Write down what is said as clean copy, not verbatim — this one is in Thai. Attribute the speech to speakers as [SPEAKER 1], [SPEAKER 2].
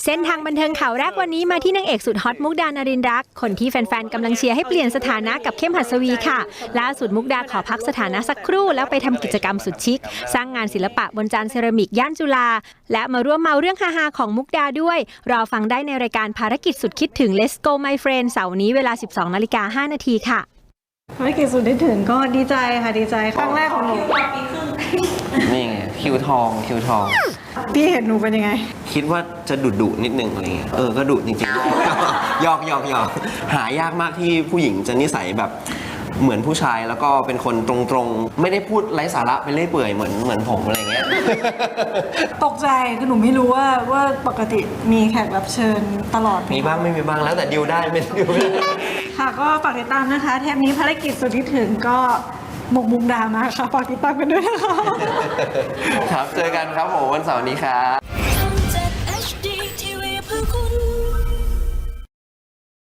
[SPEAKER 1] เส้นทางบันเทิงข่าวแรกวันนี้มาที่นางเอกสุดฮอตมุกดานรินทร์รักคนที่แฟนๆกำลังเชียร์ให้เปลี่ยนสถานะกับเข้มหัสวีค่ะล่าสุดมุกดาขอพักสถานะสักครู่แล้วไปทำกิจกรรมสุดชิคสร้างงานศิลปะบนจานเซรามิกย่านจุฬาและมาร่วมเมาเรื่องฮาๆของมุกดาด้วยรอฟังได้ในรายการภารกิจสุดคิดถึง Let's Go My Friend เสาร์นี้เวลา 12:05 นาทีค่ะ
[SPEAKER 2] ภารกิจสุดที่ถึงก็ดีใจค่ะดีใจครั้งแรกของหนู
[SPEAKER 3] นี่ไงคิวทอง
[SPEAKER 2] พี่เห็นหนูเป็นยังไง
[SPEAKER 3] คิดว่าจะดุนิดนึงอะไรเงี้ยก็ดุจริงๆ หยอกหายากมากที่ผู้หญิงจะนิสัยแบบเหมือนผู้ชายแล้วก็เป็นคนตรงๆไม่ได้พูดไร้สาระไปเรื่อยเปื่อยเหมือนผมอะไรเงี้ย
[SPEAKER 2] ตกใจคือหนูไม่รู้ว่าปกติมีแขกรับเชิญตลอด
[SPEAKER 3] มีบ้างไม่มีบ้างแล้วแต่ดิวได้ไม่ดิวไม่ได้
[SPEAKER 2] ค่ะก็ฝากติดตามนะคะเทปนี้ภารกิจสุดที่ถึงก็หมกมุมดามาค่ะฝากติดตามกันด้วยนะคะ
[SPEAKER 3] ครับเจอกันครับผมวันเสาร์นี้ครับ